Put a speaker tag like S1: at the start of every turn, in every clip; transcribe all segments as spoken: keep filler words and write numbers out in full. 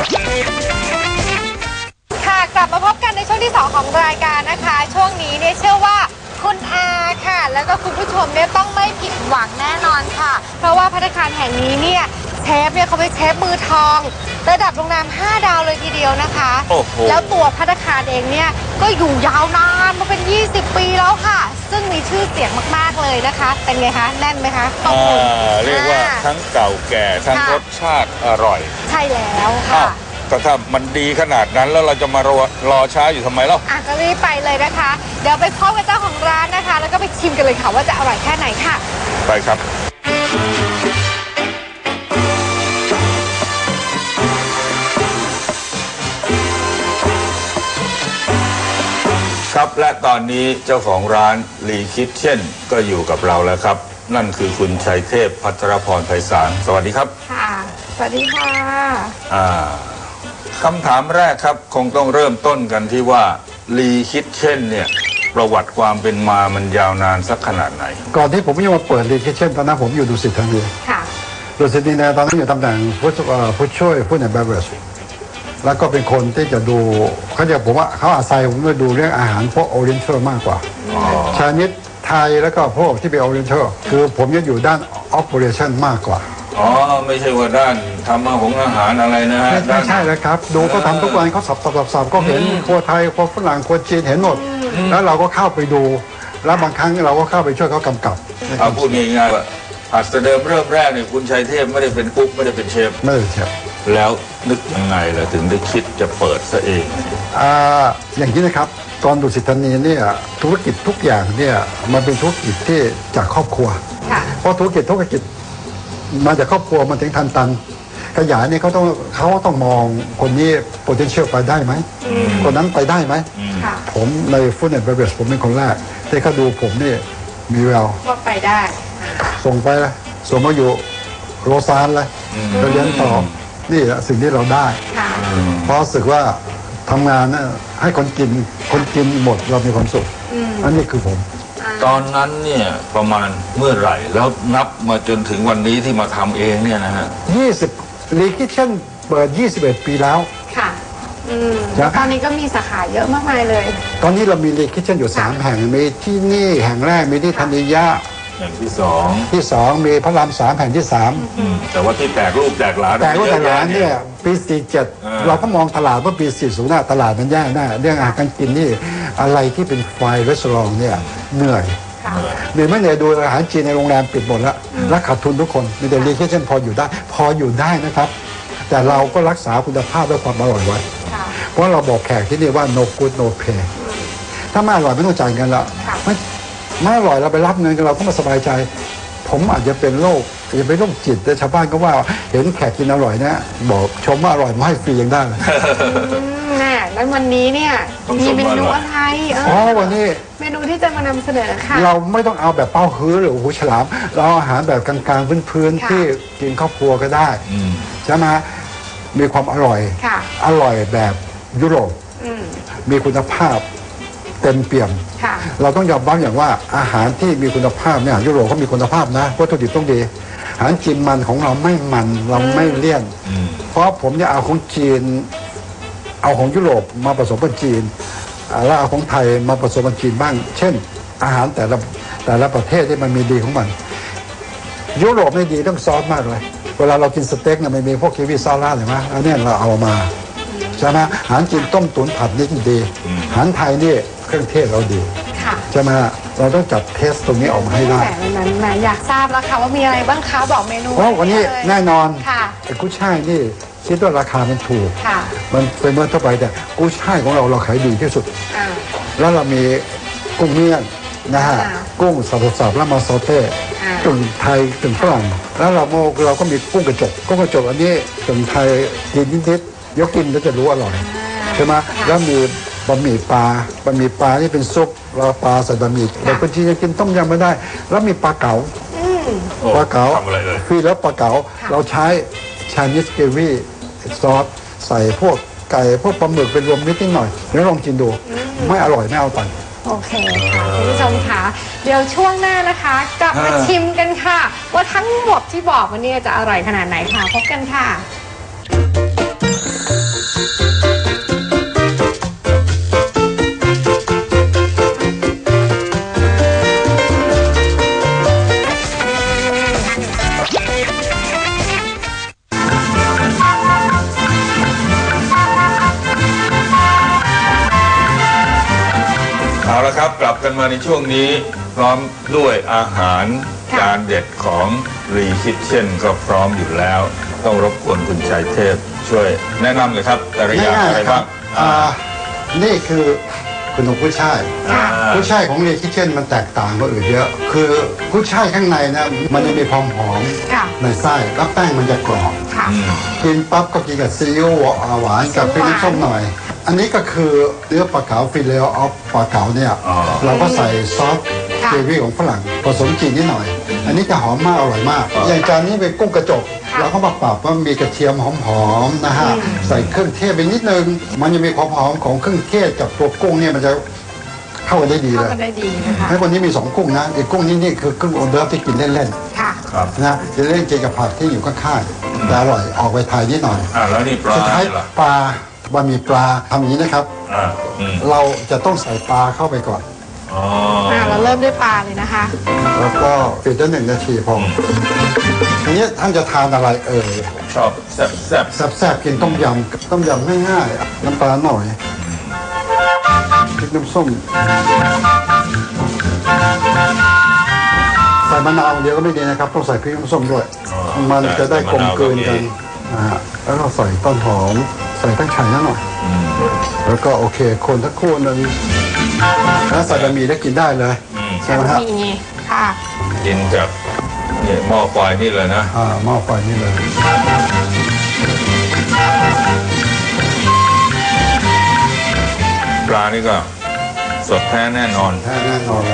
S1: ค่ะกลับมาพบกันในช่วงที่สองของรายการนะคะช่วงนี้เนี่ยเชื่อว่าคุณอาค่ะแล้วก็คุณผู้ชมเนี่ยต้องไม่ผิดหวังแน่นอนค่ะเพราะว่าภัตตาคารแห่งนี้เนี่ยเชฟเนี่ยเขาเป็นเชฟมือทองระดับโรงแรมห้าดาวเลยทีเดียวนะคะแล้วตัวภัตตาคารเองเนี่ยก็อยู่ยาวนานมาเป็นยี่สิบปีแล้วค่ะซึ่งมีชื่อเสียงมากๆเลยนะคะเป็นไงคะแน่นไหมคะข้อมูล
S2: เรียกว่าทั้งเก่าแก่ทั้งรสชาติอร่อย
S1: ใช่แล้วค่ะ
S2: ก็ถ้ามันดีขนาดนั้นแล้วเราจะมารอรอช้าอยู่ทำไมเล่า
S1: อ่ะก็รีบไปเลยนะคะเดี๋ยวไปพบกับเจ้าของร้านนะคะแล้วก็ไปชิมกันเลยค่ะว่าจะอร่อยแค่ไหนค่ะ
S2: ไปครับครับและตอนนี้เจ้าของร้านลีคิทเช่นก็อยู่กับเราแล้วครับนั่นคือคุณชัยเทพภัทรพรไพศาลสวัสดีครับ
S1: ค่ะสวัสดีค่ะ
S2: อ่าคำถามแรกครับคงต้องเริ่มต้นกันที่ว่าลีคิทเช่นเนี่ยประวัติความเป็นมามันยาวนานสักขนาดไหน
S3: ก่อนที่ผมจะมาเปิดลีคิทเช่นตอนนั้นผมอยู่ดุสิตธานี
S1: ค่ะ
S3: ดุสิตธานีตอนนั้นอยู่ตำแหน่งผู้ผู้ช่วยผู้ในเบเวอร์จแล้วก็เป็นคนที่จะดูเขาจะผมว่าเขาอาศัยผมมาดูเรื่องอาหารพวกโอเรียนเทลมากกว่าชานิดไทยแล้วก็พวกที่เป็นโอเรียนเทลคือผมจะอยู่ด้านออปเปอเรชั่นมากกว่า
S2: อ๋อไม่ใช่ว่าด้านทำอาหารอาหารอะไรนะฮะ
S3: ไม่ใช่เลยครับดูเขาทำทุกวันเขาสับสับสับสับก็เห็นครัวไทยครัวฝรั่งครัวจีนเห็นหมดแล้วเราก็เข้าไปดูแล้วบางครั้งเราก็เข้าไปช่วยเขากำกับ
S2: เอาพูดง่ายๆว่าอัศเดิมเริ่มแรกเนี่ยคุณชัยเทพไม่ได้เป็นกุ๊กไม่ได้เป็นเชฟ
S3: ไม่ได้เชฟ
S2: แล้วนึกยังไงล่ะถึงได้คิดจะเปิดซะเอง
S3: อ่าอย่างนี้นะครับตอนดุสิตธานีเนี่ยธุรกิจทุกอย่างเนี่ยมันเป็นธุรกิจที่จากครอบครัวเพราะธุรกิจธุรกิจมาจากครอบครัวมันถึงทันตันขยายเนี่ยเขาต้องเขาต้องมองคนนี้ potential ไปได้ไหมคนนั้นไปได้ไหมผมในฟู้ดแอนด์เบเวอเรจผมเป็นคนแรกที่เขาดูผมนี่มีแวว
S1: ว่าไปได้
S3: ส่งไปเลยส่งมาอยู่โรซานเลยไปเรียนต่อนี่แหละสิ่งที่เราได้เพราะรู้สึกว่าทำงานนะให้คนกินคนกินหมดเรามีความสุขอันนี้คือผม
S2: ตอนนั้นเนี่ยประมาณเมื่อไหร่แล้วนับมาจนถึงวันนี้ที่มาทำเองเนี่ยนะฮะ
S3: ยี่สิบลีคิทเช่นเปิดยี่สิบเอ็ดปีแล้ว
S1: ค่ะอืมตอนนี้ก็มีสาขาเยอะมากมายเลย
S3: ตอนนี้เรามีลีคิทเช่นอยู่สามแห่งมีที่นี่แห่งแรกมีที่ธัญญา
S2: แห่งที่สอง
S3: ที่สองมีพระรามสามแห่งที่สาม
S2: แต่ว่าที่แตกรูปแตกหลาน
S3: แตกรูปแตกหลานเนี่ยปีสี่เจ็ดเราก็มองตลาดว่าปีสี่ศูนย์ตลาดมันแย่แน่เรื่องอาหารการกินนี่อะไรที่เป็นไฟรีสอร์ทเนี่ยเหนื่อยเหนื่อยไม่เหนื่อยดูอาหารจีนในโรงแรมปิดหมดแล้วและขาดทุนทุกคนมีแต่ลีคิทเช่นพออยู่ได้พออยู่ได้นะครับแต่เราก็รักษาคุณภาพและความอร่อยไว้เพราะเราบอกแขกที่นี่ว่า no good no pay ถ้าไม่อร่อยไม่ต้องจ่ายเงินละไม่ไม่อร่อยเราไปรับเงินกันเราก็มาสบายใจผมอาจจะเป็นโรคอาจจะเป็นโรคจิตแต่ชาวบ้านก็ว่าเห็นแขกกินอร่อยนะบอกชมว่าอร่อยมาให้ฟรียังได้เลย
S1: แน่แล้ววันนี้เนี่ยมีเมนูอะไร
S3: อ๋อวันนี้
S1: เมนูที่จะมานำเสนอค่ะ
S3: เราไม่ต้องเอาแบบเป้าฮื้อหรือหูฉลามเราเอาอาหารแบบกลางๆพื้นๆที่กินครอบครัวก็ได้ใช่ไหมมีความอร่อยอร่อยแบบยุโรปมีคุณภาพเต็มเปี่ยมเราต้องยอมรับอย่างว่าอาหารที่มีคุณภาพเนี่ยยุโรปเขามีคุณภาพนะวัตถุดิบต้องดีอาหารจีนมันของเราไม่มันเราไม่เลี่ยนเพราะผมจะเอาของจีนเอาของยุโรปมาผสมกับจีนแล้วเอาของไทยมาผสมกับจีนบ้างเช่นอาหารแต่ละแต่ละประเทศที่มันมีดีของมันยุโรปไม่ดีต้องซอสมากเลยเวลาเรากินสเต็กเนี่ยมันมีพวกคิวีซอสราดเห็นไหมอันนี้เราเอามาใช่ไหมอาหารจีนต้มตุ๋นผัดนี่ดีอาหารไทยนี่เครื่องเทศเราดีใช่ไหมเราต้องจัดเทสตรงนี้ออกมาให้ได้
S1: แต่นั้นแหมอยากทราบแล้วค่ะว่ามีอะไรบ้างคะบอกเมนู
S3: อ๋อวันนี้แน่นอนแต่กุ้ยช่ายนี่คิดว่าราคามันถูกมันเป็นเมื่อเท่าไหร่แต่กุ้ยช่ายของเราเราขายดีที่สุดแล้วเรามีกุ้งเมี่ยงนะฮะกุ้งสับๆแล้วมาซอเต้กึ่งไทยกึ่งฝรั่งแล้วเราเราก็มีกุ้งกระจกกุ้งกระจกอันนี้กึ่งไทยกินนิดๆยกกินแล้วจะรู้อร่อยใช่ไหมแล้วมีบะหมี่ปลาบะหมี่ปลาที่เป็นซุปเราปลาใส่บะหมี่แต่คนจีนจะกินต้มยำไม่ได้แล้วมีปลาเก๋าปลาเก๋าคือแล้วปลาเก๋าเราใช้ชานิสเกวี่ซอสใส่พวกไก่พวกปลาหมึกเป็นรวมนิดนิดหน่อยแล้วลองกินดูไม่อร่อยไม่เอาตังค์
S1: โอเคค่ะคุณผู้ชมคะเดี๋ยวช่วงหน้านะคะกลับมาชิมกันค่ะว่าทั้งหมดที่บอกวันนี้จะอร่อยขนาดไหนค่ะพบกันค่ะ
S2: เอาละครับกลับกันมาในช่วงนี้พร้อมด้วยอาหารจานเด็ดของรีคิทเช่นก็พร้อมอยู่แล้ว ต้องรบกวนคุณชัยเทพช่วยแนะนำเลยครับแต่ละอย่างอะไรบ้าง
S3: อ่านี่คือขนมกุ้ยช่าย
S2: อ่า
S3: กุ้ยช่ายของเรียคิเช่นมันแตกต่างกว่าอื่นเยอะ คือกุ้ยช่ายข้างในนะมันจะมีความหอม
S1: ค่ะ
S3: ในไส้แล้วแป้งมันจะกรอบ
S1: ค่ะ
S2: อืม
S3: กินปั๊บก็กินกับซีอิ๊วหวานกับพริกน้ำส้มหน่อย อันนี้ก็คือเนื้อปลาเก๋าฟิเลออฟปลาเก๋าเนี่ย
S2: อ๋อ
S3: เราก็ใส่ซอส
S1: ค่ะ
S3: เกรวี่ของฝรั่งผสมจีนนิดหน่อย อันนี้จะหอมมากอร่อยมาก อย่างจานนี้เป็นกุ้งกระจก เราก็มาปรับว่ามีกระเทียมหอมๆนะฮะใส่เครื่องเทศไปนิดนึง มันจะมีความหอมของเครื่องเทศกับตัวกุ้งเนี่ยมันจะเข้ากันได้ดี
S1: เข้า
S3: เลย
S1: กันได้ดีนะคะ
S3: ให้คนนี้มีสองกุ้งนะอีกกุ้งนี้นี่คือกุ้งออเดิร์ฟที่กินเล่น
S1: ค่ะ
S2: ครับ
S3: ๆนะจะเล่นกินกับผักที่อยู่ข้างๆแต่อร่อยออกไปไทยนิดหน่อย
S2: อ่าแล้วนี่ปลา
S3: สุดท้าย
S2: เหรอ
S3: ปลาบะหมี่ปลาทำอย่างนี้นะครับ
S2: อ่าอืม
S3: เราจะต้องใส่ปลาเข้าไปก่อน
S2: อ๋อ
S1: อ่าเราเริ่มด้วยปลาเลยนะคะ
S3: แล้วก็ปิดได้หนึ่งนาทีพอทีนี้ท่านจะทานอะไรเอ่ย
S2: ชอบแซ่บแซ่บ
S3: แซ่บๆกินต้มยำต้มยำง่ายๆน้ำปลาหน่อยพริกน้ำส้มใส่มะนาวเดียวก็ไม่ดีนะครับต้องใส่พริกน้ำส้มด้วย มันจะได้กลมกลืนกันนะฮะแล้วก็ใส่ต้นหอมใส่ตั้งไข่นิดหน่อย
S2: อืม
S3: แล้วก็โอเคคนทักครู่หนึงแล้วใส่บะหมี่ได้กินได้เลย
S2: อืม
S3: ใช่ไหมฮะ
S1: มีค่ะ
S2: กินจากเนี่ยหม้อไฟนี่เลยนะ
S3: อ่าหม้อไฟนี่เลย
S2: ปลานี่ก็สดแท้แน่นอน
S3: แท้แน่นอนเลย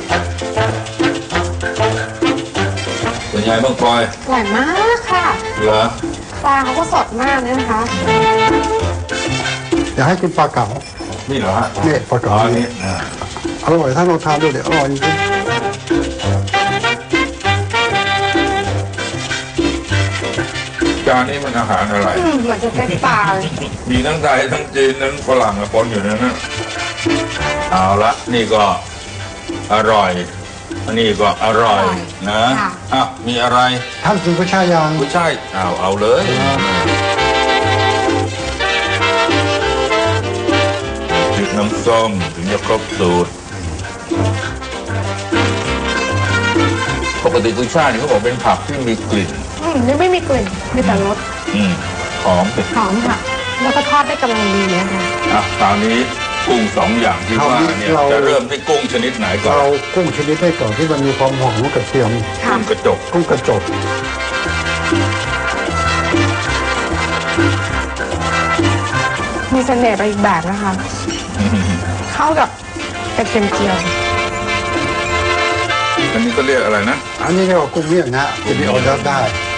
S2: เป็นไงบ้างพลอย
S1: อร่อยมากค่ะ
S2: เหรอ
S1: ปลาเขาก็สดมากเลยนะคะ
S3: อยากให้กินปลาเก๋า
S2: นี่เหรอฮะ
S3: เนี่ยปลา
S2: อ๋
S3: เก๋า
S2: อ
S3: นี่
S2: นี่อ่า
S3: อร่อยถ้าเราทานด้วยเดี๋ยวอร่อยจริง
S2: จานนี้มันอาหารอะไร
S1: อืมเหมือนจะเป็นปลาเลย
S2: มีทั้งไทยทั้งจีนทั้งฝรั่งปนอยู่ในนั้นเอาละนี่ก็อร่อย อันนี้ก็อร่อยนะอ่ะมีอะไร
S3: ท่านกินกุ้ยช่ายยัง
S2: ผู้ชายเอาเอาเลยพริกน้ำส้มถึงจะครบสูตรปกติกุ้ยช่ายนี่เขาบอกเป็นผักที่มีกลิ่น
S1: อืมนี่ไม่มีกลิ่นมีแต่รส
S2: อืมหอมเป็น
S1: หอมค่ะ แล้วก็ทอดได้กำลังดีนะคะ
S2: อ่ะคราวนี้กุ้งสองอย่างที่ว่าเนี่ยจะเริ่มที่กุ้งชนิดไหนก่อน
S3: เรากุ้งชนิดได้ก่อนที่มันมีความหอมของกระเทียม
S1: ค่ะ
S2: กุ้งกระจก
S3: กุ้งกระจก
S1: มีเสน่ห์ไปอีกแบบนะคะ เข้ากับกระเทียมเจียว
S2: อันนี้ก็เรียกอะไรนะ
S3: อันนี้เรียกว่ากุ้งเมี่ยงนะจะมีออเดอร์ฟได้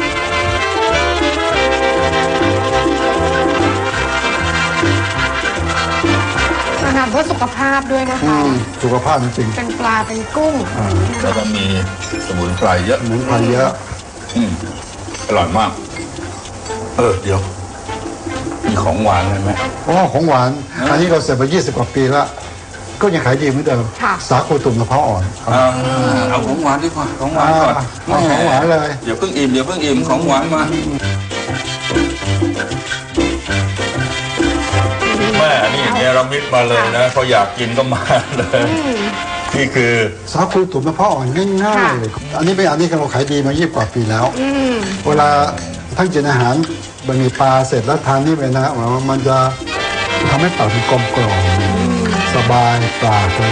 S1: อาหารเพื่อสุขภาพด้วยนะ
S3: อื
S1: คะ
S3: มสุขภาพจริง
S1: เป็นปลาเป็นกุ้ง
S3: ๆอ่า
S2: แล้วก็มีสมุนไพรเยอะ
S3: สมุนไพรเยอะ
S2: อืมอร่อยมาก เออ เดี๋ยว มีของหวานอะไรไหม
S3: เพราะว่าของหวาน อันนี้เราเสร็จมายี่สิบกว่าปีแล้ว ก็ยังขายดีเหมือนเดิม
S1: ค่ะ
S3: สาคูตุ่มมะพร้าวอ่อนครับ
S2: อ่าเอาของหวานดีกว่า ของหวานก่อน
S3: อ่าเอาของหวานเลย
S2: เดี๋ยวเพิ่งอิ่มเดี๋ยวเพิ่งอิ่มของหวานมาแม่นี่เนรมิตมาเลยนะเขาอยากกินก็มาเลย นี่คือ
S3: สาคูตุ่มมะพร้าวอ่อนง่ายๆเลยอันนี้เป็นอันนี้เราขายดีมายี่สิบกว่าปีแล้ว
S1: อืม
S3: เวลาท่านกินอาหารบะหมี่ปลาเสร็จแล้วทานนี่ไปนะมันจะทำให้ปากมันกลมกล่อมสบายปากเลย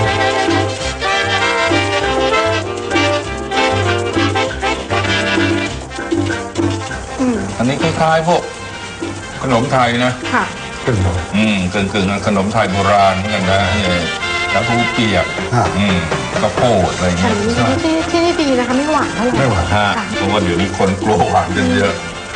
S2: อันนี้คล้ายๆพวกขนมไทยนะ
S1: ค่ะ
S3: ขึ้นเลย
S2: อืมกึ่งกึ่งๆขนมไทยโบราณเหมือนกันนะนี่แล้วทูเปียก
S3: อ่ะ
S2: อืมกระโพดอะไร
S1: อั
S2: เงี้
S1: น
S2: ย
S1: นี้ที่ที่นี่ดีนะคะไม่หวานเท่าไหร่
S3: ไม่หวาน
S2: ฮะ
S1: ค่ะ
S2: เพราะว่าเดี๋ยวนี้คนกลัวหวานกันเยอะ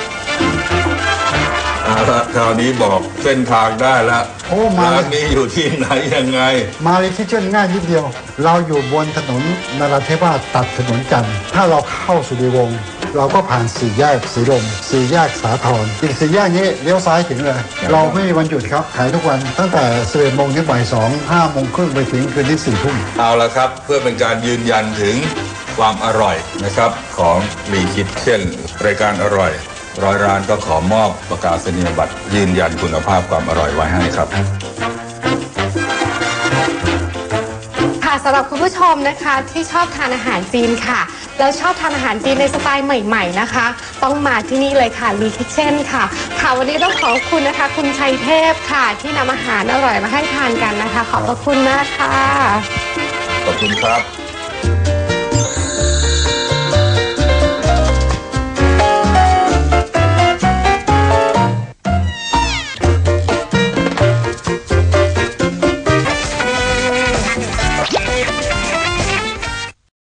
S2: เอาละคราวนี้บอกเส้นทางได้แล้ว
S3: โอ้มา
S2: ร้านนี้อยู่ที่ไหนยังไง
S3: มาเลยที่เช่นง่ายนิดเดียว เราอยู่บนถนนนราธิวาสตัดถนนจันทร์ถ้าเราเข้าสุริวงศ์เราก็ผ่านสี่แยกสีลมสี่แยกสาทรอีกสี่แยกนี้เลี้ยวซ้ายถึงเลย เราไม่มีวันหยุดครับขายทุกวันตั้งแต่สิบเอ็ดโมงถึงบ่ายสองห้าโมงครึ่งไปถึงคืนที่สี่ทุ่ม
S2: เอาละครับเพื่อเป็นการยืนยันถึงความอร่อยนะครับของรีคิดเช่นรายการอร่อยร้อยร้านก็ขอมอบประกาศนียบัตรยืนยันคุณภาพความอร่อยไว้ให้ครับ
S1: สำหรับคุณผู้ชมนะคะที่ชอบทานอาหารจีนค่ะแล้วชอบทานอาหารจีนในสไตล์ใหม่ๆนะคะต้องมาที่นี่เลยค่ะรีคิทเช่นค่ะค่ะวันนี้ต้องขอบคุณนะคะคุณชัยเทพค่ะที่นำอาหารอร่อยมาให้ทานกันนะคะขอบพระคุณมากค่ะ
S2: ขอบคุณครับ